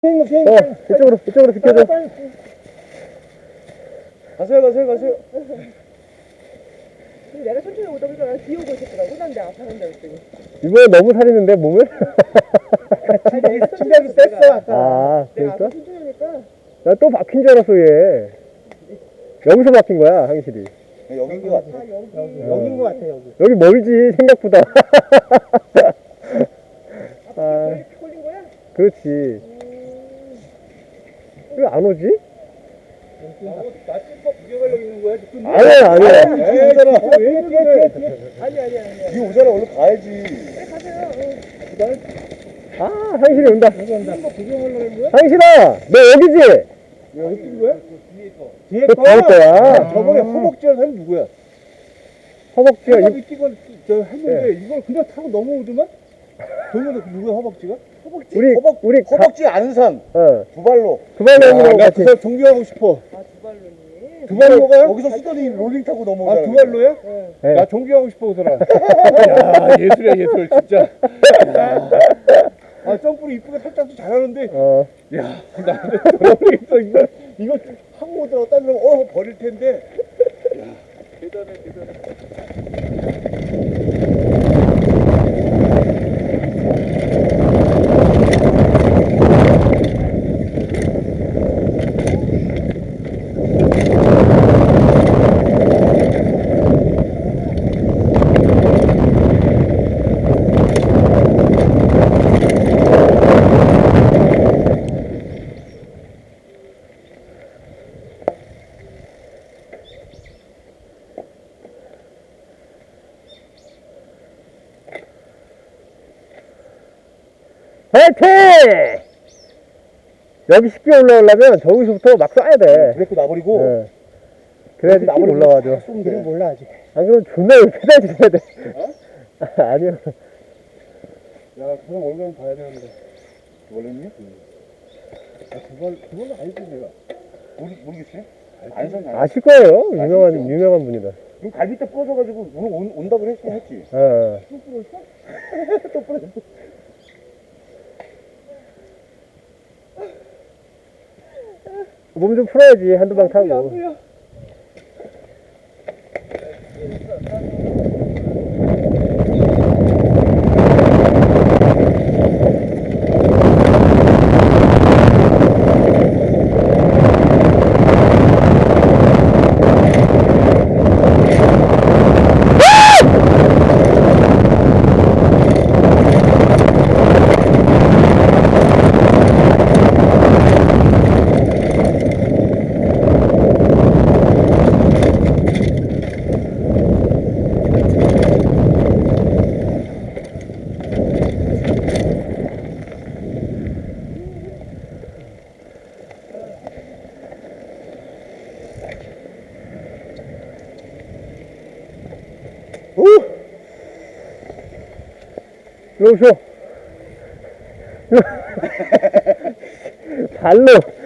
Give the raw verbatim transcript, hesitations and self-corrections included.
어, 이쪽으로, 이쪽으로 비켜줘. 가세요, 가세요, 가세요. 내가 천천히 오다 보니까 뒤에 오고 있었더라고. 난 내 앞에 한다 그랬더니. 이번에 너무 살리는데, 몸을? 침대기 뺐어 아까. 아, 내가 그러니까? 앞에 천천히 오니까. 나 또 박힌 줄 알았어, 얘. 여기서 박힌 거야, 항실이. 여긴 것 같아. 아 여기. 어. 여긴 것 같아 여기. 여기 멀지, 생각보다. 아, 아, 여기 걸린 거야? 그렇지. 음. 왜 안 오지? 나 찐퍼 구경하려고 있는 거야, 지금? 아니야, 아니야. 에이, 오잖아. 아니 아니 아니 아니. 니 오잖아, 얼른 가야지. 빨리 가세요. 응. 아, 항실이 온다. 찐퍼 구경하려고 했는 거야? 항실아, 너 여기지? 왜 여기 뛴 거야? 뒤에 그 다음 거야. 아, 저번에 허벅지한 사람이 누구야? 허벅지가 이, 허벅지 뛰고 저 했는데 이걸 그냥 타고 넘어오더만? 동현도 누구야, 허벅지가? 허벅지? 우리, 허벅, 우리, 가, 허벅지 안산 어, 두 발로. 두발로님하고 나 같이. 그 사람 존경하고 싶어. 아 두발로니. 두 발로 가요? 여기서 쓰더니 롤링 타고 넘어오잖아. 아, 두 발로야? 네. 네. 나 존경하고 싶어, 그 사람. 야, 예술이야, 예술, 진짜. 아, 점프를 이쁘게 살짝도 잘하는데. 어, 야, 나는 모르겠어, 이거. 이거 하고 오더라고. 딴 사람 어 버릴 텐데. 대단해, 대단해. 화이팅! 여기 쉽게 올라오려면 저기서부터 막 쏴야 돼. 브레이크 놔버리고. 네. 그래야지 쉽게 나버리고 올라와죠. 쏘면 돼. 몰라 아직. 안 그러면 존나 여기 페달 치셔야 돼. 아, 아니요. 야, 그 사람 얼굴 봐야 되는데. 원래는요? 아, 두 발, 두 발은 아니지, 내가. 모르, 모르겠어요? 안산 안 아실 거예요. 유명한, 유명한 분이다. 그럼 갈비 때 부러져가지고 오늘 온, 온다고 했, 했지. 어, 어. 또 부러졌어. 몸 좀 풀어야지. 한두 방 타고. 오! 일로 오쇼. 발로.